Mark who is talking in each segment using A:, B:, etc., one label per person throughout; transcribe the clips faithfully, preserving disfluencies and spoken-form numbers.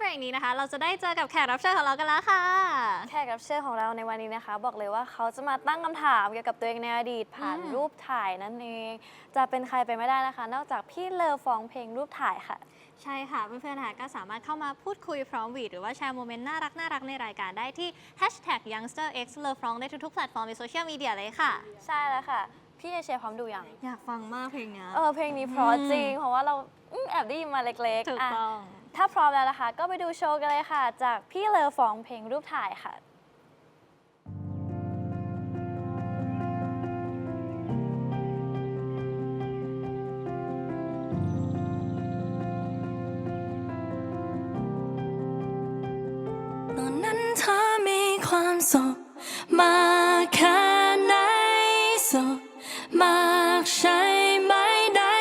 A: รกนี้นะคะเราจะได้เจอกับแขกรับเชิญของเรากันแล้วค่ะ
B: แขกรับเชิญของเราในวันนี้นะคะบอกเลยว่าเขาจะมาตั้งคำถามเกี่ยวกับตัวเองในอดีตผ่านรูปถ่ายนั่นเองจะเป็นใครไปไม่ได้นะคะนอกจากพี่เลอฟองเพลงรูปถ่ายค่ะ
A: ใช่ค่ะเพื่อนๆนะคะก็สามารถเข้ามาพูดคุยพร้อมวีดหรือว่าแชร์โมเมนต์น่ารักน่ารักในรายการได้ที่ แฮชแท็ก ยังสเตอร์เอ็กซ์เลอฟองได้ทุกๆแพลตฟอร์มในโซเชียลมีเดียเลยค่ะ
B: ใช่แล้วค่ะพี่เอเชียพร้อมดูยัง
A: อยากฟังมากเพลงนี้
B: เออเพลงนี้เพราะจริงเพราะว่าเราแอบได้ยินมาเล็กๆ
A: ถูกต้อง
B: ถ้าพร้อมแล้วนะคะก็ไปดูโชว์กันเลยค่ะจากพี่เลอฟองเพลงรูปถ่ายค่ะ
C: ตอนนั้นเธอมีความสุขมากแค่ไหนสุขมากใช่ไหมได้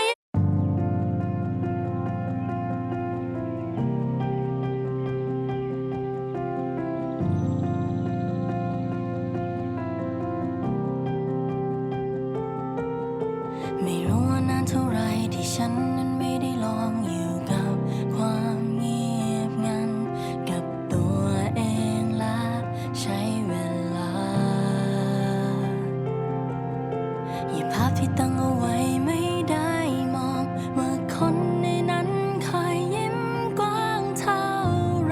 C: ไม่รู้ว่านานเท่าไรที่ฉันนั้นไม่ได้ลองอยู่กับความเงียบงันกับตัวเองและใช้เวลาอย่าภาพที่ตั้งเอาไว้ไม่ได้มองว่าคนในนั้นคอยยิ้มกว้างเท่าไร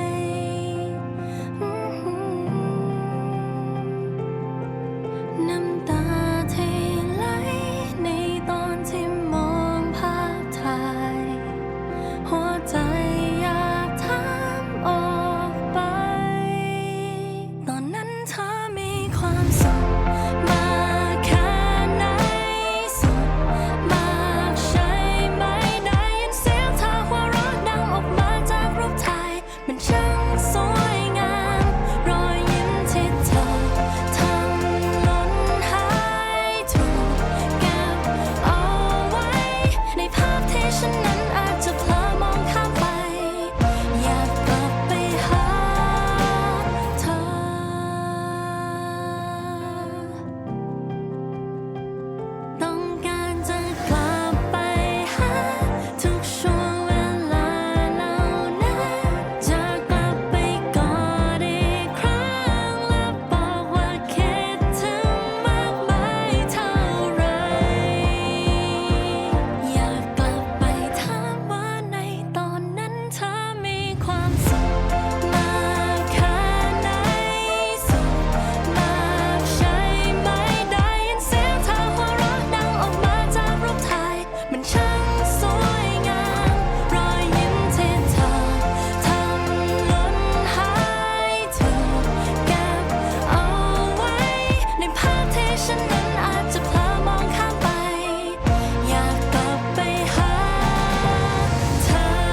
C: น้ำตาที่ไหลในตอนที่มองภาพถ่ายหัวใจอยากถามออกไปตอนนั้นเธอมีความสุขมากแค่ไหนสุขมากใช่ไหมได้ยินเสียงเธอหัวเราะดังออกมาจากรูปถ่ายมันช่างสวยงามรอยยิ้มที่เธอทำหล่นหายถูกเก็บเอาไว้ในภาพที่ฉันนั้นอาจจะเพลอมองข้ามไปอยากกลับไปหาเธอต้องการจะกลับไปหาทุกช่วงเวลาเหล่านั้นจะกลับไปกอดอีกครั้งและบอกว่าคิดถึงมากมายเท่าไรอยากกลับไปถามว่าในตอนนั้นเธอมีความสุขมากแค่ไหนสุขมากใช่ไหมได้ยินเสียงเธอหัวเราะดังออกมาจากรูปถ่ายมันช่างสวยงามรอยยิ้มที่เธอทำหล่นหายถูกเก็บเอาไว้ในภาพที่ฉันนั้นอาจจะเพลอมองข้ามไปอยากกลับไปหาเธ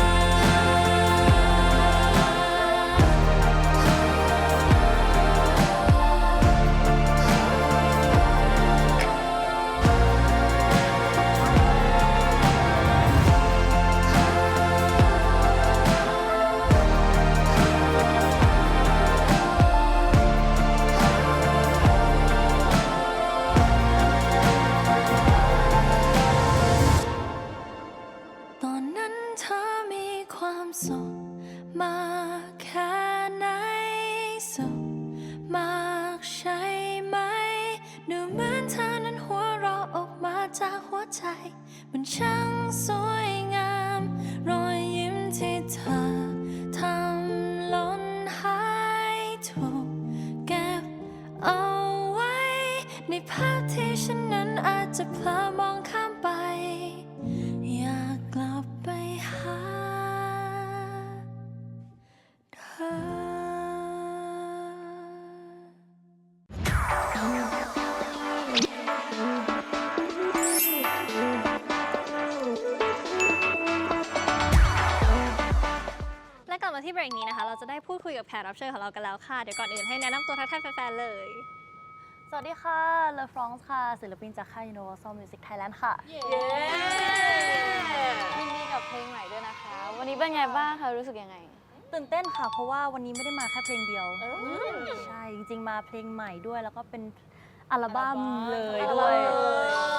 C: ตอนนั้นเธอมีความสุขมากแค่ไหนสุขมากใช่ไหมดูเหมือนเธอนั้นหัวเราะออกมาจากหัวใจมันช่างสวยงามรอยยิ้มที่เธอทำหล่นหายถูกเก็บเอาไว้ในภาพที่ฉันนั้นอาจจะเพลอมองข้ามไปอยากกลับไปหาเธอ
A: และกลับมาที่เบรกนี้นะคะเราจะได้พูดคุยกับแขกรับเชิญของเรากันแล้วค่ะเดี๋ยวก่อนอื่นให้แนะนำตัวทักทายแฟนๆเลย
B: สวัสดีค่ะเลอฟรองส์ค่ะศิลปินจากค่าย Universal Music Thailand ค่ะยินดีกับเพลงใหม่ด้วยนะคะ วันนี้เป็นไงบ้างคะรู้สึกยังไง
D: ตื่นเต้นค่ะเพราะว่าวันนี้ไม่ได้มาแค่เพลงเดียวใช่จริงๆมาเพลงใหม่ด้วยแล้วก็เป็นอัลบั้มเลยด้วย
B: ก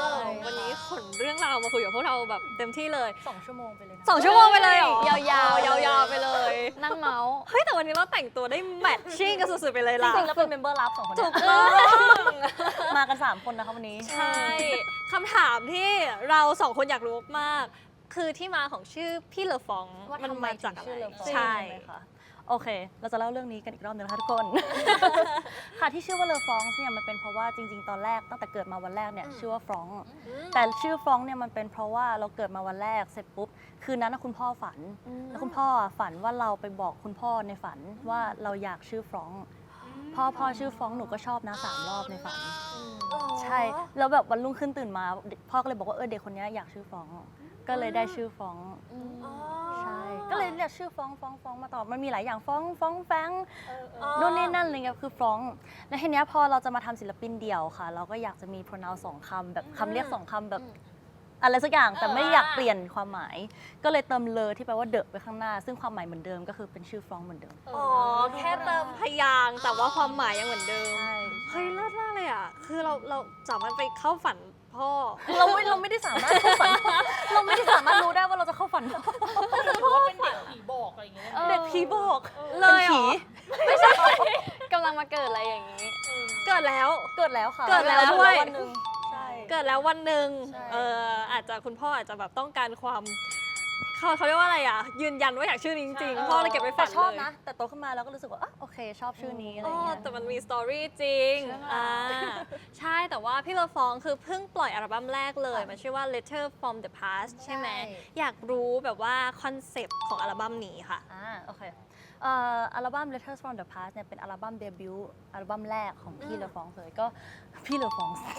A: วันนี้ขนเรื่องราวมาคุยกับพวกเราแบบเต็มที่เลย
D: สองชั่วโมงไปเลยนะ
A: สองชั่วโมงไปเลยเหรอย
B: าวๆ
A: ยาวๆไปเลย
B: นั่งเมาส์
A: เฮ้ยแต่วันนี้เราแต่งตัวได้แมทชิ่งกันสุดๆไปเลย
D: จ
A: ล่ะ
D: ริงๆแล้วเป็นเมมเบอร์ลับสองคน
A: ถู
D: เนี่
A: ก
D: ย
A: ต้อง
D: มากันสามคนนะคะวันนี้
A: ใช่คำถามที่เราสองคนอยากรู้มากๆคือที่มาของชื่อพี่เลอฟอง
B: ว่า
A: มัน
B: ทำไม
A: มาจาก
B: ถึง
A: อะ
B: ชื่อ
A: ไร
B: เลอฟอง
A: ใช่
D: ไหมคะโอเค เราจะเล่าเรื่องนี้กันอีกรอบหนึงนะคะทุกคน ค่ะที่ชื่อว่าเลอฟรองส์เนี่ยมันเป็นเพราะว่าจริง ๆ ตอนแรกตั้งแต่เกิดมาวันแรกเนี่ยชื่อว่าฟรองก์แต่ชื่อฟรองก์เนี่ยมันเป็นเพราะว่าเราเกิดมาวันแรกเสร็จปุ๊บคืนนั้นนะคุณพ่อฝัน แล้วคุณพ่อฝันว่าเราไปบอกคุณพ่อในฝันว่าเราอยากชื่อฟรองก์พ่อพ่อชื่อฟรองก์หนูก็ชอบนะสามรอบในฝัน ใช่แล้วแบบวันรุ่งขึ้นตื่นมาพ่อก็เลยบอกว่าเออเด็กคนนี้อยากชื่อฟรองก์ก็เลยได้ชื่อฟรองก์ ใช่ ก็เลยเรียกชื่อฟ้องฟ้องฟ้องมาต่อ มันมีหลายอย่างฟ้องฟ้องแฟงนู่นนี่นั่นอะไรเงี้ยคือฟ้อง แล้วทีเนี้ยพอเราจะมาทำศิลปินเดี่ยวค่ะ เราก็อยากจะมี pronoun สองคำแบบคำเรียกสองคำแบบอะไรสักอย่าง แต่ไม่อยากเปลี่ยนความหมาย ก็เลยเติมเลอที่แปลว่าเดอะไปข้างหน้า ซึ่งความหมายเหมือนเดิมก็คือเป็นชื่อฟ้องเหมือนเดิม
A: อ๋อแค่เติมพยางค์แต่ว่าความหมายยังเหมือนเดิม
D: ใช่
A: เฮ้ยเลิศมากเลยอ่ะคือเราเราสามารถไปเข้าฝันพ่อ
D: เราไม่เราไม่ได้สามารถเข้าฝัน เราไม่ได้สามารถรู้ได้ว่าเราจะเข้าฝัน
E: พ่อเป็นเด็กผีบอกอะไรอย่างเงี้ย
D: เด็กผีบอก
A: เลยเหรอ
D: เป็นผี
B: กำลังมาเกิดอะไรอย่างนี้
A: เกิดแล้ว
D: เกิดแล้วค่ะ
A: เกิดแล้วด้วย
D: วันหนึ่งใช่
A: เกิดแล้ววันหนึ่ง
D: ใช่
A: เอออาจจะคุณพ่ออาจจะแบบต้องการความเขาเขาเรียกว่าอะไรอ่ะ ยืนยันว่าอยากชื่อนี้จริงๆพ่อเลยเก็บไว้ฝั
D: แต่
A: น
D: ชอบ
A: เลย
D: นะ แต่โตขึ้นมาแล้วก็รู้สึกว่าอ่ะโอเค ชอบชื่อนี้อะไร
A: อ๋อ
D: เงี้ย
A: แต่มันมีสตอรี่จริงอ่าใช่แต่ว่าพี่เลอฟองคือเพิ่งปล่อยอัลบั้มแรกเลย มันชื่อว่า Letter from the Past ใช่ไหม
D: ใช่
A: อยากรู้แบบว่าคอนเซปต์ของอัลบั้มนี้ค่ะ
D: อ่าโอเคเอ่ออัลบั้ม Letters from the Past เนี่ยเป็นอัลบั้มเดบิวต์อัลบั้มแรกของพี่เลอฟองส์เลยก็พี่เลอฟองส์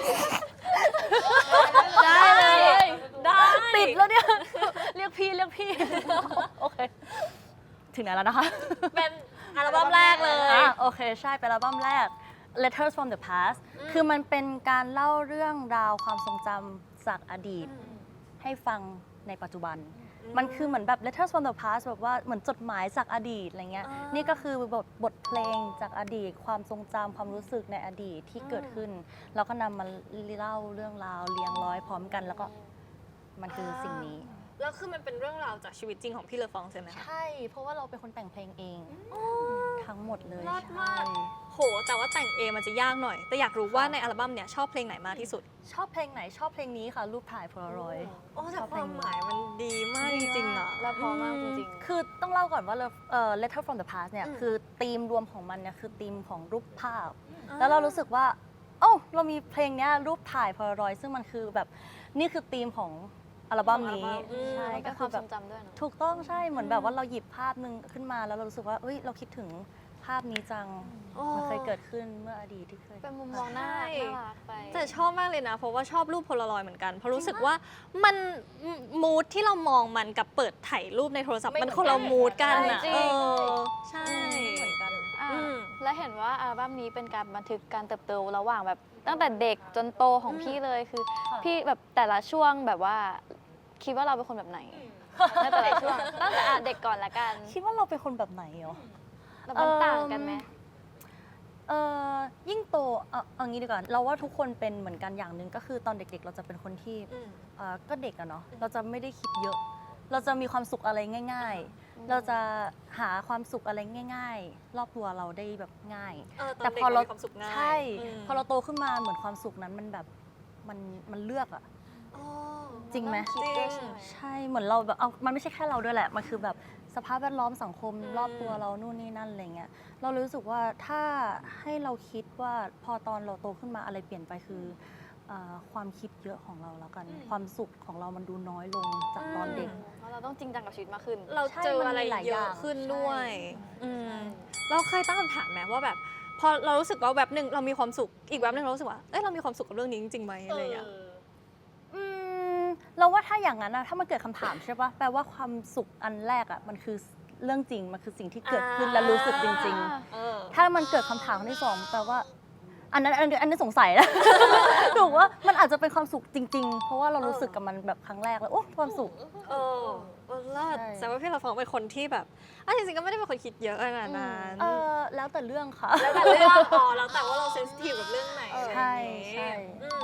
A: ได้เลยได้
D: ติดแล้วเนี่ย เรียกพี่เรียกพี่ โอเค ถึงไหนแล้วนะคะ
A: เป็นอัลบั้มแรกเลย
D: อ่ะโอเค ใช่ เป็นอัลบั้มแรก Letters from the Past คือมันเป็นการเล่าเรื่องราวความทรงจำจากอดีต ให้ฟังในปัจจุบัน มันคือเหมือนแบบ Letters from the Past แบบว่าเหมือนจดหมายจากอดีตอะไรเงี้ย
A: อ่านี่
D: นี่ก็คือบทบทเพลงจากอดีต ความทรงจำความรู้สึกในอดีตที่เกิดขึ้น เราก็นำมาเล่าเรื่องราวเรียงร้อยพร้อมกัน แล้วก็มันคือสิ่งนี้
A: แล้วคือมันเป็นเรื่องราวจากชีวิตจริงของพี่เลอฟองใช่ไหมคะ
D: ใช่ เพราะว่าเราเป็นคนแต่งเพลงเอง ทั้งหมดเลย
A: รอด
D: ใช่
A: มาก โห แต่ว่าแต่งเองมันจะยากหน่อย แต่อยากรู้ว่าในอัลบั้มเนี่ยชอบเพลงไหนมากที่สุด
D: ชอบเพลงไหนชอบเพลงนี้ค่ะ รูปถ่ายโพลารอยด์
A: โอ้แต่ความหมายมันดีมากจริงๆอ่ะ
B: แล้วพอมากจริง
D: คือต้องเล่าก่อนว่าเอ่อ Letter from the Past เนี่ย
A: อืม
D: คือธีมรวมของมันเนี่ยคือธีมของรูปภาพ
A: อ่า
D: แล้วเรารู้สึกว่าโอ้าเรามีเพลงเนี้ยรูปถ่ายโพลารอยด์ซึ่งมันคือแบบนี่คือธีมของอัลบั้มนี้ ใช่
B: ๆ
D: ก็
B: เป็นค
D: คื
B: วา
D: อ
B: ม
D: แบ
B: ท
D: บ
B: รงจำด้วยเนอะ
D: ถูกต้องใช่เหมือนแบบว่าเราหยิบภาพหนึ่งขึ้นมาแล้วเรารู้สึกว่าเอ้ยเราคิดถึงภาพนี้จัง มันเคยเกิดขึ้นเมื่ออดีตที่เคย
B: เป็นมุมมองน่า
A: ใช่
B: น่ารักไป
A: แต่ชอบมากเลยนะ เพราะว่าชอบรูปโพลารอยด์เหมือนกัน เพราะรู้สึกว่ามันมูดที่เรามองมันกับเปิดถ่ายรูปในโทรศัพท์
D: ไม่
A: มันคนละมูดกันอ่ะ
B: ใช่จริ
A: เอง อใช่
D: เหมือนกัน
B: อ่า
A: อืม
B: และเห็นว่าอัลบั้มนี้เป็นการบันทึกการเติบโตระหว่างแบบตั้งแต่เด็กจนโตของพี่เลยคือ
D: ค่ะ
B: พี่แบบแต่ละช่วงแบบว่า คิดว่าเราเป็นคนแบบไหนในแต่ละช่วงตั้งแต่อ่ะเด็กก่อนละกัน
D: คิดว่าเราเป็นคนแบบไหนเหรอ
B: แล้วมันต่างกันไหม
D: เออยิ่งโตเอาเอางี้ดีกว่าเราว่าทุกคนเป็นเหมือนกันอย่างหนึ่งก็คือตอนเด็กๆ เราจะเป็นคนที่
A: อืม
D: เอ่อก็เด็กอะเนาะเราจะไม่ได้คิดเยอะ เราจะมีความสุขอะไรง่าย ๆ เราจะหาความสุขอะไรง่าย ๆ รอบตัวเราได้แบบง่าย
A: เออตอน
D: แต่
A: เด็ก
D: พอเรา
A: เรามีความสุขง่าย
D: ใช่
A: อืม
D: พอเราโตขึ้นมาเหมือนความสุขนั้นมันแบบมันมันเลือกอะ
A: อ๋อ
D: จริงไหม
A: จริง
D: ใช่เหมือนเราแบบเอามันไม่ใช่แค่เราด้วยแหละ มันคือแบบสภาพแวดล้อมสังคม
A: อืม
D: รอบตัวเรานู่นนี่นั่นอะไรเงี้ยเรารู้สึกว่าถ้าให้เราคิดว่าพอตอนเราโตขึ้นมาอะไรเปลี่ยนไปคือเอ่อความคิดเยอะของเราแล้วกัน ความสุขของเรามันดูน้อยลงจากตอนเด็ก
B: เพราะเราต้องจริงจังกับชีวิตมากขึ้น
A: เรา
D: ใช่
A: เจอ
D: มัน
A: อะไร
D: มีหลาย
A: เย
D: อ
A: อะ
D: ย่าง
A: ขึ้น
D: ใช่
A: ด้วยอืม
B: ใช่
A: เราเคยตั้งคำถามไหมว่าแบบ พอเรารู้สึกว่าแบบหนึ่งเรามีความสุขอีกแบบหนึ่งเรารู้สึกว่าเอ้ยเรามีความสุขกับเรื่องนี้จริงๆไหมอะไรอย่างเงี้ย
D: อืมเราว่าถ้าอย่างนั้นนะถ้ามันเกิดคำถามใช่ปะแปลว่าความสุขอันแรกอ่ะมันคือเรื่องจริงมันคือสิ่งที่เกิดขึ้นและรู้สึกจริง ๆ
A: เออ
D: ถ้ามันเกิดคำถามที่สองแปลว่า อันนั้นอันนี้อันนี้สงสัยนะ ถูกว่ามันอาจจะเป็นความสุขจริง ๆ เพราะว่าเรารู้สึกกับมันแบบครั้งแรกแล้วโอ้ความสุข
A: เออเออเลิศ
D: ใช่
A: แต่ว่าพี่เราฟองเป็นคนที่แบบอ่ะจริงๆก็ไม่ได้เป็นคนคิดเยอะขนาดนั้น
D: เออแล้วแต่เรื่องค่ะ
A: แล้วแต่เรื่องอ๋อแล้วแต่ว่าเราเซนซิทีฟกับเรื่องไหน
D: ใช่
A: อะไรอย่างงี้
D: ใช่
A: อืม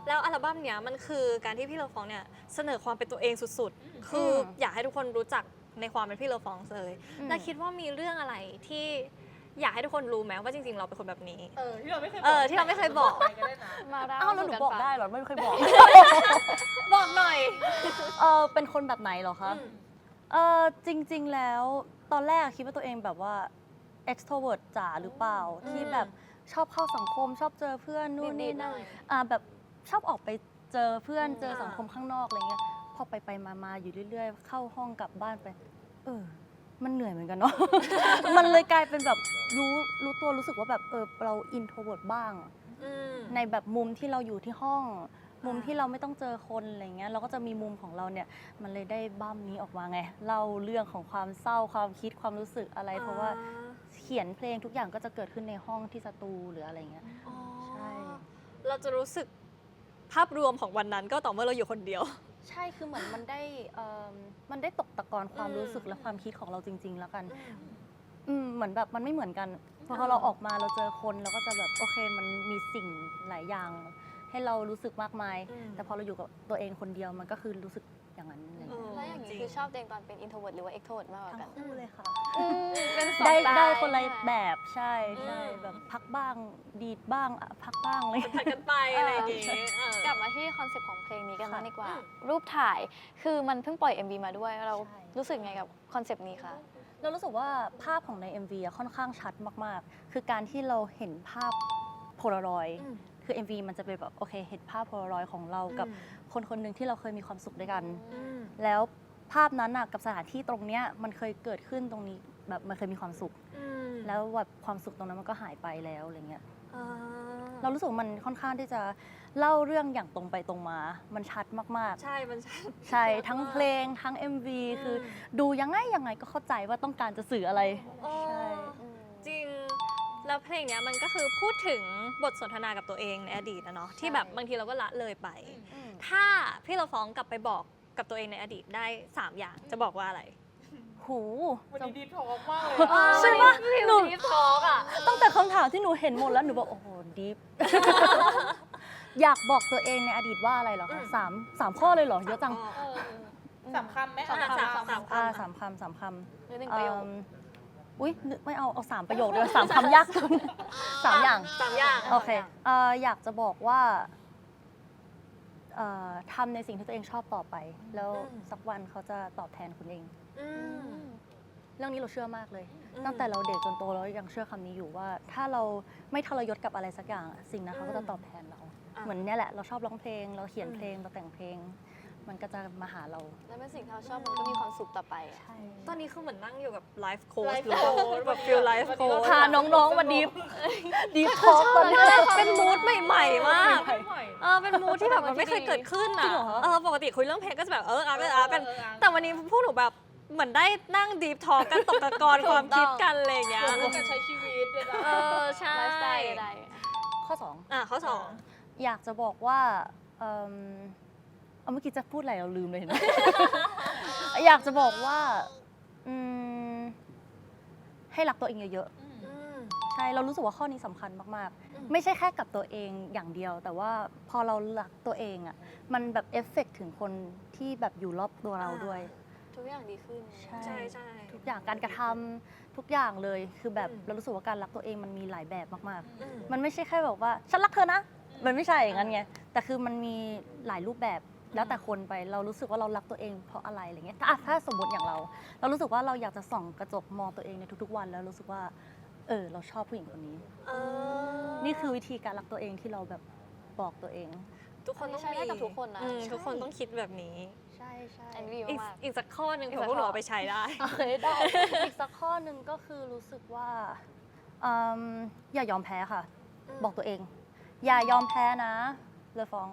A: แล้วอัลบั้มเนี้ยมันคือการที่พี่เลอฟองเนี่ยเสนอความเป็นตัวเองสุดๆ คืออยากให้ทุกคนรู้จักในความเป็นพี่เลอฟองเลย
B: อืม
A: แล้วคิดว่ามีเรื่องอะไรที่อยากให้ทุกคนรู้ไหมว่าจริงๆ เราเป็นคนแบบนี้
E: เออที่เราไม่เคย
A: เออที่เราไม่เคยบอก
E: ไปก็ได้นะ
B: มาเล่า
D: อ้าวแล้วหนู
B: สู่
D: บอก
B: ฟัง
D: ได้เหรอไม่เคยบอก
A: บอกหน่อย
D: เออเป็นคนแบบไหนเหรอคะ
A: อืม
D: เออจริง ๆ แล้วตอนแรกคิดว่าตัวเองแบบว่า extrovert จ๋าหรือเปล่า
A: อืม
D: ที่แบบชอบเข้าสังคม ชอบเจอเพื่อนนู่นนี่นั่น
B: ดีดๆหน่อย
D: อ่าแบบชอบออกไปเจอเพื่อน
B: อืม
D: เจอสังคมข้างนอกอะไรเงี้ยพอไปไปมามาอยู่เรื่อยๆ เข้าห้องกลับบ้านไป เออ มันเหนื่อยเหมือนกันเนาะ มันเลยกลายเป็นแบบรู้รู้ตัวรู้สึกว่าแบบเออเรา introvert บ้าง
A: อืม
D: ในแบบมุมที่เราอยู่ที่ห้อง มุม
A: อ่า
D: ที่เราไม่ต้องเจอคนอะไรเงี้ยเราก็จะมีมุมของเราเนี่ยมันเลยได้บั้มนี้ออกมาไงเล่าเรื่องของความเศร้าความคิดความรู้สึกอะไร เพราะว่าเขียนเพลงทุกอย่างก็จะเกิดขึ้นในห้องที่สตูหรืออะไรเงี้ย
A: อ๋อ
D: ใช่
A: เราจะรู้สึกภาพรวมของวันนั้นก็ต่อเมื่อเราอยู่คนเดียว
D: ใช่คือเหมือนมันได้เอิ่มมันได้ตกตะกอนความ
A: อืม
D: รู้สึกและความคิดของเราจริง ๆ แล้วกัน
A: อืม
D: อืมเหมือนแบบมันไม่เหมือนกันพอ
A: อ่า
D: เราออกมาเราเจอคนเราก็จะแบบโอเคมันมีสิ่งหลายอย่าง ให้เรารู้สึกมากมาย
A: อืม
D: แต่พอเราอยู่กับตัวเองคนเดียวมันก็คือรู้สึกอย่างนั้นอะไร
A: เอ
D: เงี้ย
A: อ
B: แล้วอย่างนี้คือชอบตัวเองตอนเป็น introvert หรือว่า extrovert มากกว่า
D: ทั้
B: กั
D: ง
B: น
D: คู่เลยค่ะ
B: เป็นสอง
D: ได้
B: สตล์
D: ได้คนละ
B: ใช่ไหม
D: แบบใช่ใช่
A: อืม
D: แบบพักบ้างดีดบ้างอ่ะพักบ้างอะไร
A: ผัดกันไปอะไรอย่างงี้เออก
B: ลับมาที่คอนเซปต์ของเพลงนี้กันบ้าง
D: ค่ะ
B: ดีกว่า
A: อืม
B: รูปถ่ายคือมันเพิ่งปล่อย เอ็ม วี มาด้วย เรา
D: ใช่
B: รู้สึกไงกับคอนเซปต์นี้คะ
D: เรารู้สึกว่าภาพของใน เอ็ม วี อะค่อนข้างชัดมากๆ คือการที่เราเห็นภาพโพลารอยด์
A: อืม
D: คือ เอ็ม วี มันจะเป็นแบบโอเคเห็นภาพโพลารอยด์ของเรากับคนคนหนึ่งที่เราเคยมีความสุขด้วยกัน
A: อืม
D: แล้วภาพนั้นน่ะกับสถานที่ตรงเนี้ยมันเคยเกิดขึ้นตรงนี้แบบมันเคยมีความสุข
A: อืม
D: แล้วแบบความสุขตรงนั้นมันก็หายไปแล้วอะไรเงี้ย
A: อ่า
D: เรารู้สึกว่ามันค่อนข้างที่จะเล่าเรื่องอย่างตรงไปตรงมา มันชัดมาก
A: ใช่ มันชัด
D: ๆ ใช่ ทั้งเพลงทั้ง เอ็ม วี คือ
A: ม
D: ดูยังไงยังไงก็เข้าใจว่าต้องการจะสื่ออะไร
A: อ๋อ
D: ใช่
A: จริง แล้วเพลงเนี้ยมันก็คือพูดถึงบทสนทนากับตัวเองในอดีตนะเนาะที่แบบบางทีเราก็ละเลยไป ถ้าพี่เราฟ้องกลับไปบอกกับตัวเองในอดีตได้ สาม อย่างจะบอกว่าอะไร
D: หู
E: วันนี้ดีทอกมากเลย
D: ใช่ปะหนู
B: ดีทอกอ่ะ
D: ตั้งแต่คำถามที่หนูเห็นหมดแล้วหนูบอกโอ้โหดิฟ อยากบอกตัวเองในอดีตว่าอะไรเหรอ
A: อื
D: คะ
A: ม
D: สามสามข้อเลยเหรอเยอะจัง
E: เออสามคำไหม
A: สาม
E: อ่ะ
A: สามสาม
D: อ่า
A: คำ
D: สามคำสามคำ
B: หรือหนึ่งประโยค
D: เอิ่มอุ้ยนึกไม่เอาเอาสามประโยคเลยสามคำยากจังสามอย่าง
A: สามอย่าง
D: โอเคเอ่ออยากจะบอกว่าเอ่อทำในสิ่งที่ตัวเองชอบต่อไป แล้วสักวันเขาจะตอบแทนคุณเอง
A: อืม
D: เรื่องนี้เราเชื่อมากเลย
A: อืม
D: ตั้งแต่เราเด็กจนโตเรายังเชื่อคำนี้อยู่ว่า ถ้าเราไม่ทรยศกับอะไรสักอย่างอะสิ่งนั้นเขาก็จะตอบแทนเรา
A: อ่ะ
D: เหมือนเนี่ยแหละเราชอบร้องเพลง เราเขียน
A: อืม
D: เพลงเราแต่งเพลง มันก็จะมาหาเรา
B: แล้วเป็นสิ่งที่เราชอบมันก็มีความสุขต่อไปอะ
A: ตอนนี้คือเหมือนนั่งอยู่กับไลฟ์โค้ช
E: Life
A: หรือว่า
E: coach
A: แบบฟิลไลฟ์โค้ช
D: พาน้องๆมาดิฟ ดิฟทอล์กตอนนี้
A: เป็นมูดใหม่ๆมาก
E: ไม่ไหว
A: เออเป็นมูดที่แบบมันไม่เคยเกิดขึ้น
D: จริ
A: อ่ะ
D: งเหรอ
A: เออปกติคุยเรื่องเพลงก็จะแบบเอออาร์กันอาร์กัน
E: เออเออ
A: แต่วันนี้พวกหนูแบบเหมือนได้นั่งดีฟทอกันตกตะกอนความคิดกันอะไรอย่างเงี้ย
E: เรื่องการใช้ชีวิตเลยนะ
A: เออใช่
B: ไลฟ์สไตล์ใด
D: ข้อสอง
A: อ่ะข้อสอง
D: อยากจะบอกว่าเอิ่มเอาเมื่อกี้จะพูดอะไรเราลืมเลยเห็นไหม อยากจะบอกว่าอืมให้รักตัวเองเยอะๆ
A: อืม
D: ใช่ เรารู้สึกว่าข้อนี้สำคัญมาก
A: อืม
D: ๆ ไม่ใช่แค่กับตัวเองอย่างเดียว แต่ว่าพอเรารักตัวเองอ่ะ มันแบบเอฟเฟกต์ถึงคนที่แบบอยู่รอบตัวเราด้วย
B: ๆ ทุกอย่างดีขึ้น
D: ใช่
A: ใช่ใช่
D: ทุกอย่างการกระทำทุกอย่างเลย คือแบบ
A: อืม
D: เรารู้สึกว่าการรักตัวเองมันมีหลายแบบมาก
A: อืม
D: ๆ มันไม่ใช่แค่แบบว่าฉันรักเธอนะ มันไม่ใช่อย่างนั้นไง แต่คือมันมีหลายรูปแบบ แล้วแต่คนไป เรารู้สึกว่าเรารักตัวเองเพราะอะไรอะไรเงี้ย ถ้าถ้าสมมติอย่างเรา เรารู้สึกว่าเราอยากจะส่องกระจกมองตัวเองในทุก ๆ วัน แล้วรู้สึกว่า เออ เราชอบผู้หญิงคนนี้
A: เออ
D: นี่คือวิธีการรักตัวเองที่เราแบบบอกตัวเอง
A: ทุกคนต้อง
B: ใช้ได้กับทุกคนนะ
A: อืม
B: ใช่
A: ทุกคนต้องคิดแบบนี้
D: ใช่ใช่
B: แอนวี
A: อีก
B: มาก
A: อีกสักข้อหนึ่ง
B: อีก
A: เผื่
B: สั
A: อก พวกหนู
B: ข้อ
A: เอาไปใช้ได้
D: โอเคได้ อีกสักข้อหนึ่งก็คือรู้สึกว่าอืมอย่ายอมแพ้ค่ะ
A: อืม
D: บอกตัวเอง อย่ายอมแพ้นะเลยฟ้อง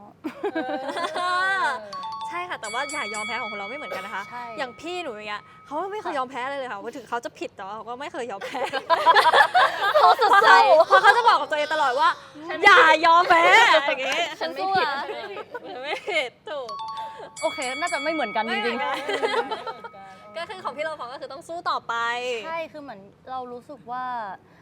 A: ใช่ค่ะ แต่ว่าอย่ายอมแพ้ของคนเราไม่เหมือนกันนะคะ
D: ใช่
A: อย่างพี่หนูอย่างเงี้ยเขาไม่เคยยอมแพ้เลยเลยค่ะว่าถึงเขาจะผิดแต่ว่าเขาก็ไม่เคยยอมแพ้
B: เขาสุดใจ
A: เพราะเขาจะบอกกับตัวเองตลอดว่า อย่ายอมแพ้อย่างงี้
B: ฉันสู้อะ
A: ฉันไม่ผิดถูก
D: โอเค น่าจะไม่เหมือนกันจ
A: ไม่เหมื
D: ริ
A: อง นกัน ก็คือของพี่เราฟองก็คือต้องสู้ต่อไป
D: ๆ ใช่ คือเหมือนเรารู้สึกว่า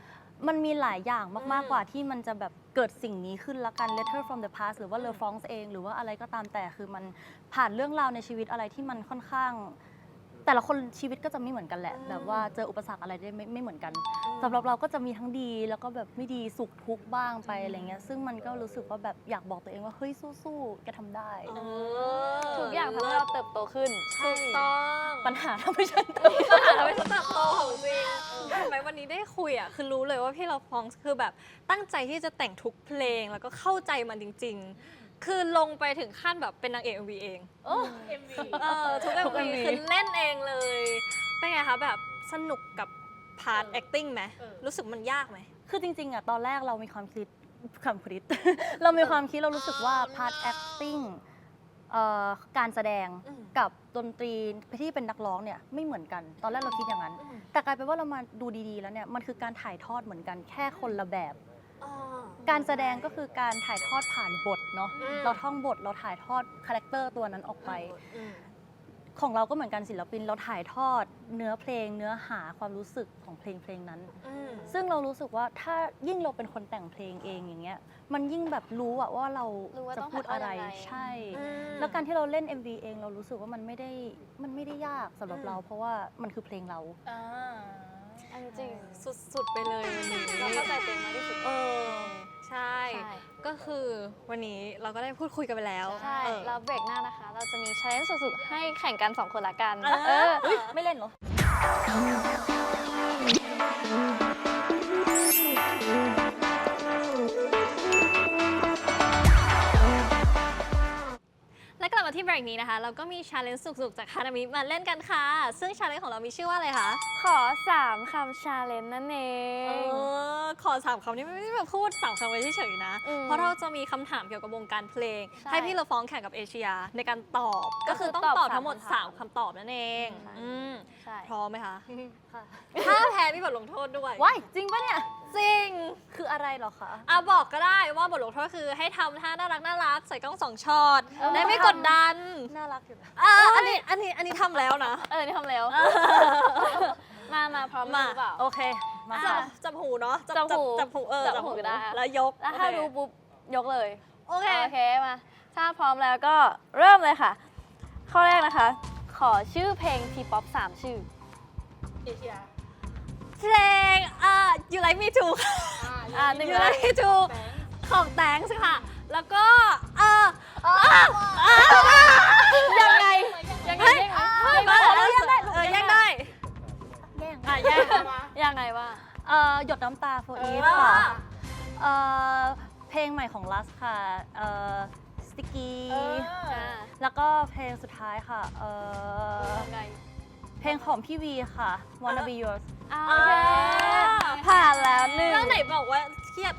D: มันมีหลายอย่าง
A: อื
D: มาก
A: ม
D: ๆ กว่าที่มันจะแบบเกิดสิ่งนี้ขึ้นละกัน letter from the past หรือว่า Le France เอง หรือว่าอะไรก็ตามแต่คือมันผ่านเรื่องราวในชีวิตอะไรที่มันค่อนข้าง แต่ละคนชีวิตก็จะไม่เหมือนกันแหละ แบบว่าเจออุปสรรคอะไรได้ไม่ไม่เหมือนกันสำหรับเราก็จะมีทั้งดีแล้วก็แบบไม่ดีสุขทุกข์บ้างไปอะไรเงี้ยซึ่งมันก็รู้สึกว่าแบบอยากบอกตัวเองว่าเฮ้ยสู้ๆแกทำได้
A: เออ
B: ทุกอย่างทำให้เราเติบโตขึ้น
A: ถูกต้อง
D: ปัญหาทำให้ฉันเติบโต
A: ปัญหาทำให้ฉันเติบโตของจริงทำไมวันนี้ได้คุยอ่ะคือรู้เลยว่าพี่เราฟองคือแบบตั้งใจที่จะแต่งทุกเพลงแล้วก็เข้าใจมันจริง ๆ คือลงไปถึงขั้นแบบเป็นนางเอก เอ็ม วี เอง
E: เอ็มวี
A: เออทุก
D: ทุก
A: เอ็ม วี
D: เอ็มวี
A: คือเล่นเองเลย เป็นไงคะแบบสนุกกับพาร์ท acting ไหม
E: เออ
A: รู้สึกมันยากไหม
D: คือจริงๆอะตอนแรกเรามีความคิดความคิด เรามีความคิดเรารู้สึกว่า part acting เอ่อการแสดง
A: อืม
D: กับดนตรีที่เป็นนักร้องเนี่ยไม่เหมือนกัน ตอนแรกเราคิดอย่างนั้น
A: อืม
D: แต่กลายเป็นว่าเรามาดูดีๆแล้วเนี่ยมันคือการถ่ายทอดเหมือนกันแค่คนละแบบ
A: อ๋อ
D: การแสดงก็คือการถ่ายทอดผ่านบทเนาะ
A: อืม
D: เราท่องบทเราถ่ายทอดคาแรคเตอร์ตัวนั้นออกไป
A: อืม
D: ของเราก็เหมือนกันศิลปินเราถ่ายทอดเนื้อเพลง เนื้อหาความรู้สึกของเพลงเพลงนั้น
A: อืม
D: ซึ่งเรารู้สึกว่าถ้ายิ่งเราเป็นคนแต่งเพลงเองอย่างเงี้ยมันยิ่งแบบรู้อะว่าเรา
B: รู้ว่า
D: จะ
B: ต้อง
D: พูดอะไร
B: ถ่ายทอดยังไง
D: ใช่
A: อืม
D: แล้วการที่เราเล่น เอ็ม วี เองเรารู้สึกว่ามันไม่ได้มันไม่ได้ยากสำหรับ
A: อืม
D: เรา เพราะว่ามันคือเพลงเรา
E: อ่า
B: อันจริง
A: สุดๆไปเลยวันนี้
B: เราเข้าใจตัวเองมากที่สุด
A: เออใช่
B: ใช่
A: ก็คือวันนี้เราก็ได้พูดคุยกันไปแล้ว
B: ใช่
A: เออ
B: แล้วเบรกหน้านะคะ เราจะมี challenge สุดๆ ให้แข่งกัน สอง คนละกัน
A: เออ
B: เออ
D: เฮ้ยไม่เล่นเหรอ
A: และกลับมาที่เบรกนี้นะคะ เราก็มี challenge สุกๆ จากฮานามิมาเล่นกันค่ะ ซึ่ง challenge ของเรามีชื่อว่าอะไรคะ
B: ขอ สาม คำ challenge นั่นเอ
A: เอง อ ขอสามคำนี้ไม่ได้แบบพูดสามคำไว้เฉยๆนะ
B: อืม
A: เพราะเราจะมีคำถามเกี่ยวกับวงการเพลง
B: ใช่
A: ให้พี่เราฟ้องแข่งกับเอเชียในการตอบ ก็คือต้อง
B: ตอบ
A: ตอบทั้งหมด
B: สามคำถาม
A: สามคำตอบนั่นเอง
B: ใช่
A: อืม
B: ใช่
A: พร้อมไหมคะ
D: ค่ะ
A: ถ้าแพ้มีบทลงโทษด้วย
D: ว้ายจริงปะเนี่ย
A: จริง
D: คืออะไรเหรอคะ
A: อ่ะบอกก็ได้ว่าบทลงโทษคือให้ทำท่าน่ารักน่ารักใส่กล้องสองช็อต
B: เออ
A: ได้ไม่กดดัน
D: น่ารักอยู่นะ
A: อ่ะอันนี้อันนี้อันนี้ทำแล้วนะ
B: เออ นี่ทำแล้ว มา มาพร้อม
A: มา
B: หรือเปล่า
D: โอเค มา
A: จั
B: อ่ะ
A: บจับหูเนาะ
B: จับหู
A: จับหูเออ
B: จับหูก็ได้
A: แล้วยก
B: แล้วถ้า
A: โอเค
B: รู้ปุ๊บ ยกเลย
A: โอเค
B: โอเค มา ถ้าพร้อมแล้วก็เริ่มเลยค่ะ ข้อแรกนะคะ ขอชื่อเพลงทีป๊อปสามชื่อ
E: เอเชีย
A: เพลงอ่ะ You Like Me Too ค่ะ
B: อ่าหนึ่ง
A: You Like Me Too
E: แบงค์
A: ของแตงสิค่ะ แล้วก็เอออ่ะอ่ะยังไง
B: ยังไง
A: เฮ้ย
B: ยังไง
A: เฮ้ย
B: มา
A: เอ
B: แล้ว
A: อเออแย่งได้
D: แย่ง
A: อ่ะแย่ง
E: มา
B: ยังไงว่า
D: เอ่อหยดน้ำตา for
A: เอ
D: Eve
A: อ
D: ค่ะ เอ่อเพลงใหม่ของลัสค่ะ เอ่อ sticky
E: เออ
B: อ่า
D: แล้วก็เพลงสุดท้ายค่ะ เอ่อ
B: ยังไง
D: เพลงของพี่วีค่ะ Wanna Be Yours
B: อ่า
A: โอ
B: โอ
A: เค
B: เค ผ่านแล้วหนึ่ง
A: แล้วไหนบอกว่าเครียด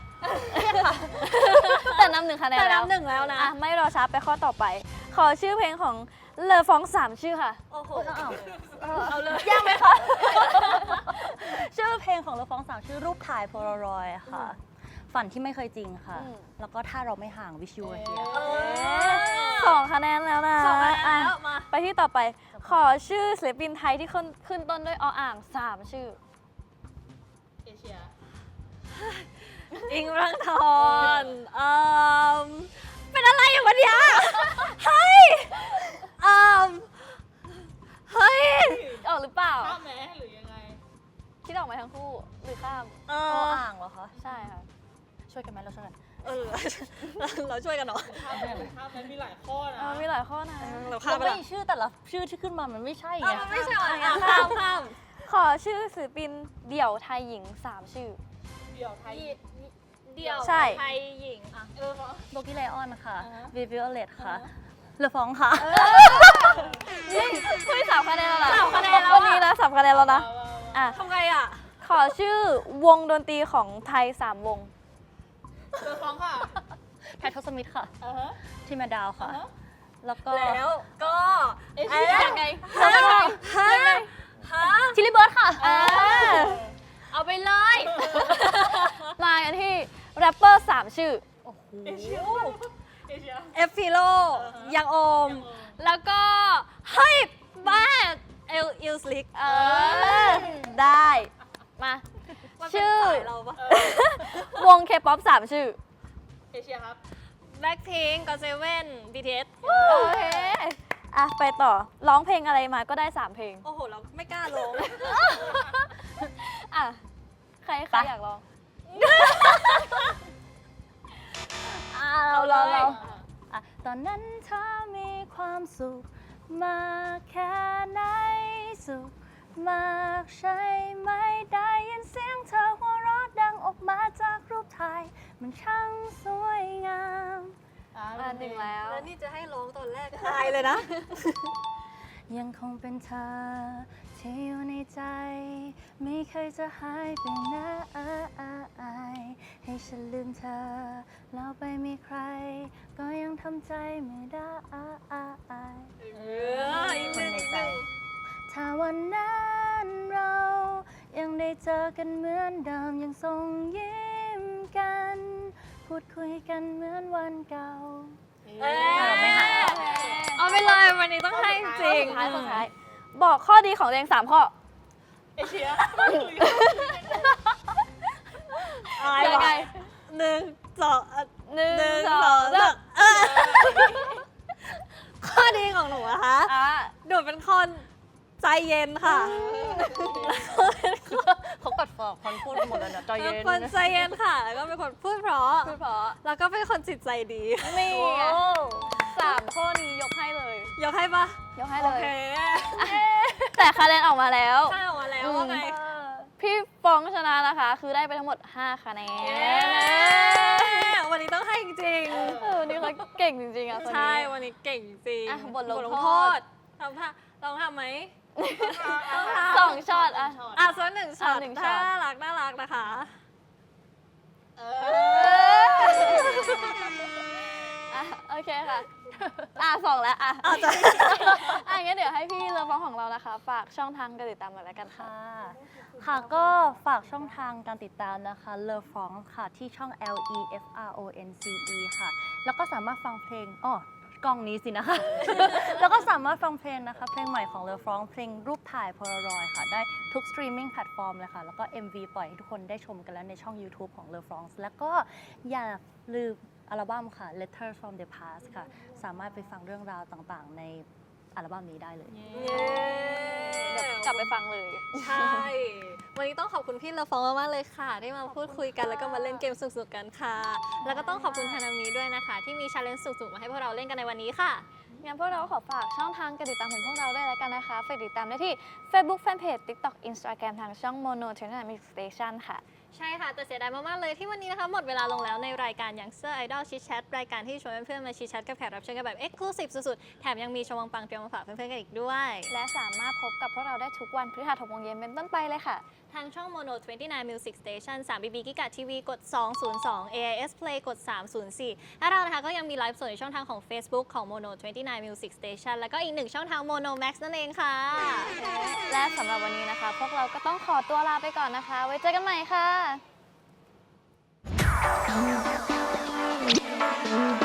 B: แต่นำหนึ่งคะแนน
A: แต่
B: แล้ว
A: น้ำหนึ่งแล้วนะ
B: อ่ะ ไม่รอช้าไปข้อต่อไป ขอชื่อเพลงของเลอฟองสามชื่อค่ะ
A: โอ้โห
D: อ้าว
A: เอาเลย
D: ยากไหมคะ ชื่อเพลงของเราฟ้องสามชื่อรูปถ่ายโพลารอยค่ะ ฝันที่ไม่เคยจริงค่ะ
B: อืม
D: แล้วก็ถ้าเราไม่ห่างวิชูเฮีย
A: เออ
B: สองคะแนนแล้วนะ
A: สองคะแนน
B: อ่ะ
A: แล้วมา
B: ไปที่ต่อไป ขอชื่อศิลปินไทยที่ขึ้นขึ้นต้นด้วยออ่างสามชื่อ
E: เอเชีย
A: อิงรังทอนเอ่มเป็นอะไรอย่างวันเนี้ยเฮ้ยเอ่มเฮ้ย
B: ออกหรือเปล่า
E: ข้ามแม้หรือยังไง
B: คิดออกไหมทั้งคู่ หรือข้าม
A: เอ
D: อ
A: อ
D: อ่างเหรอคะ
B: ใช่ค่ะ
D: ช่วยกันไหมเราช่วยกัน
A: เออเราเราช่วยกันเนาะ
E: ข้ามแม้ข้ามแม้มีหลายข้อนะ
B: เออมีหลายข้อนะ
A: เราข้า
D: เรา
A: มไป
D: ไม่
A: ละ
D: ชื่อแต่ละชื่อที่ขึ้นมามันไม่ใช่
A: เอ
D: ไง
A: อมันไม่ใช่อ่ะอ่ะข้ามข้าม
B: ขอชื่อศิลปินเดี่ยวไทยหญิงสามชื่อ
E: เดี่ยวไทย
A: เดี่ยว
B: ใช่
A: ไทยหญิงอ่ะ
E: เออเหรอ
D: โบกี้ไลออนค่ะ
E: อ่าฮะ
D: วิวิโอเลตค่ะเลอฟองค่ะ
B: นี่คุยสามคะแนนแล้วนะ
A: สามคะแนนแล้ว
B: วันนี้นะสามคะแนนแล้วนะ
E: มามามา
B: อ่ะ
A: ทำไงอ่ะ
B: ขอชื่อวงดนตรีของไทยสามวง
E: เจอฟ้องค่ะ
D: ไททอสมิธค่ะ
E: อ่าฮะ
D: ทีมาดาวค่ะ
E: อ่าฮะ
D: แล้วก็
A: แล้วก็
E: เอเชีย
B: ยังไง
A: ฮะฮะฮะ
D: ชิลลี่เบิร์ดค่ะ
B: อ่า
A: เอาไปเลย
B: มากันที่แรปเปอร์สามชื่อ
D: โอ้โห
E: เอเชียเอเชีย
A: เอฟฟิโล
E: อ่าฮะ
A: ยังโอม
E: ยังโอม
A: แล้วก็ เฮ้ย บ้า เอลอิลสลิก
B: เออ ได้ มา
A: มันเป็น
B: ชื่อ
A: สายเราปะ
B: วงเคป๊อปสามชื่อ
E: เอเชียครับ
A: แบล็คพิงก์ก็เซเว่นบีทีเอส
B: โอเค อ่ะ ไปต่อ ร้องเพลงอะไรมาก็ได้ 3 เพลง
A: โอ้โห เราไม่กล้าลง
B: อ่ะ ใครใคร
D: ไป
B: อยากร้อง
D: อ่าเราเราเราอ่ะตอนนั้นเธอมีความสุขมากแค่ไหนสุขมากใช่ไหมได้ยินเสียงเธอหัวเราะดังออกมาจากรูปถ่าย มันช่างสวยงาม
B: มาถึงแล้ว
A: แล้วนี่จะให้ร้องตอนแรกตายเลยนะ
D: ยังคงเป็นเธอที่อยู่ในใจ ไม่เคยจะหายไปไหนให้ฉันลืมเธอ แล้วไปมีใคร ก็ยังทำใจไม่ได้
A: เอออีกห
D: คน
A: นึ่ง
D: ใน
A: อีก
D: ใจ
A: หนึ่ง
D: ถ้าวันนั้นเรายังได้เจอกันเหมือนเดิมยังส่งยิ้มกัน พูดคุยกันเหมือนวันเก่า
A: เอ้ย
D: เราไม่หา
A: เอาไปเลยวันนี้ต้องให้จริง
B: สุดท้ายสุดท้าย บอกข้อดีของตัวเองสามข้อ
E: เอเชีย
A: อาย
B: ยังไง
A: ว่ะหนึ่งสองอ่ะ
B: หนึ่ง
A: หนึ่ง
B: ส
A: ส
B: อ
A: อง ง
B: สา
A: สาม มเออข้อดีของหนูนะคะ
B: อ่ะ
A: หนูเป็นคนใจเย็นค่ะ
D: เขากัดฝากคนพูดหมดแล้วนะใจ
A: เป็
D: เย็
A: น
D: น
A: คนใจเย็นค่ะ แล้วก็เป็นคนพูดเพราะ
B: พูดเพราะ
A: แล้วก็เป็นคนจิตใจดี
B: นี่
D: โอ้
B: ไงสามข้อนี้ยกให้เลย
A: ยกให้ปะ
B: ยกให้
A: โอ
B: เลย
A: เค
B: แต่คะแนนออกมาแล้ว
A: ข้าออกมาแล้วว่าไง
B: พี่ฟองชนะนะคะ คือได้ไปทั้งหมด ห้า คะแนน
A: เย้วันนี้ต้องให้จริง
B: เออนี่เขาเก่งจริงๆอ่ะคน
A: ใช่
B: นี้
A: วันนี้เก่งจริง
B: อ่ะบทลง
A: บ
B: โทษ
A: ทำท่าลองทำไหม
B: สองช็อตอ่ะ
A: อ่ะส่วนหนึ่งช็อต
B: อ่ะหนึ่งช็อต
A: น่ารักน่ารักนะคะ
E: เอ
B: อ่ะโอเคค่ะ อ่ะสองแล้วอ่ะ
A: อาจจะ
B: อ่ะงั้นเดี๋ยวให้พี่เรือฟองของเรานะคะ ฝากช่องทางการติดตามหน่อยแล้วกันค่ะ
D: ค่ะ ค่ะก็ฝากช่องทางการติดตามนะคะ Love Frong ค่ะ ที่ช่อง L E F R O N C E ค่ะ แล้วก็สามารถฟังเพลงอ๋อกล้องนี้สินะคะ แล้วก็สามารถฟังเพลงนะคะ เพลงใหม่ของ Love Frong เพลงรูปถ่าย Polaroid ค่ะ ได้ทุกสตรีมมิ่งแพลตฟอร์มเลยค่ะ แล้วก็ เอ็ม วี ปล่อยให้ทุกคนได้ชมกันแล้วในช่อง YouTube ของ Love Frong แล้วก็อย่าลืมอัลบั้มค่ะ Letters from the Past ค่ะ สามารถไปฟังเรื่องราวต่างๆ ในอัลบั้มนี้ได้เลย
B: กลับไปฟังเลย
A: ใช่ วันนี้ต้องขอบคุณพี่เลอฟองมากๆเลยค่ะ ได้มาพูดคุยกันแล้วก็มาเล่นเกมสนุกๆกันค่ะ แล้วก็ต้องขอบคุณฮานามิด้วยนะคะ ที่มีชาเลนจ์สนุกๆมาให้พวกเราเล่นกันในวันนี้ค่ะ
B: งั้นพวกเราขอฝากช่องทางการติดตามของพวกเราด้วยแล้วกันนะคะฝากติดตามได้ที่ Facebook Fanpage TikTok Instagram ทางช่อง Mono Channel Music Station ค่ะ
A: ใช่ค่ะ แต่เสียดายมาก ๆ เลยที่วันนี้นะคะหมดเวลาลงแล้วในรายการ Youngster Idol Chit Chat รายการที่ชวนเพื่อนๆมาชิดแชทกับแขกรับเชิญกันแบบ Exclusive สุดๆ แถมยังมีชมวังปังเตรียมมาฝากเพื่อนๆกันอีกด้วย
B: และสามารถพบกับพวกเราได้ทุกวันพฤหัสหกโมงเย็นเป็นต้นไปเลยค่ะ
A: ทางช่อง Mono ยี่สิบเก้า Music Station สาม บี บี กิกะ ที วี กด สองศูนย์สอง เอ ไอ เอส Play กด สามศูนย์สี่ และเรานะคะก็ยังมีไลฟ์สดในช่องทางของ Facebook ของ Mono ยี่สิบเก้า Music Station แล้วก็อีกหนึ่งช่องทาง Mono Max นั่นเองค่ะ
B: และสำหรับวันนี้นะคะ พวกเราก็ต้องขอตัวลาไปก่อนนะคะ ไว้เจอกันใหม่ค่ะ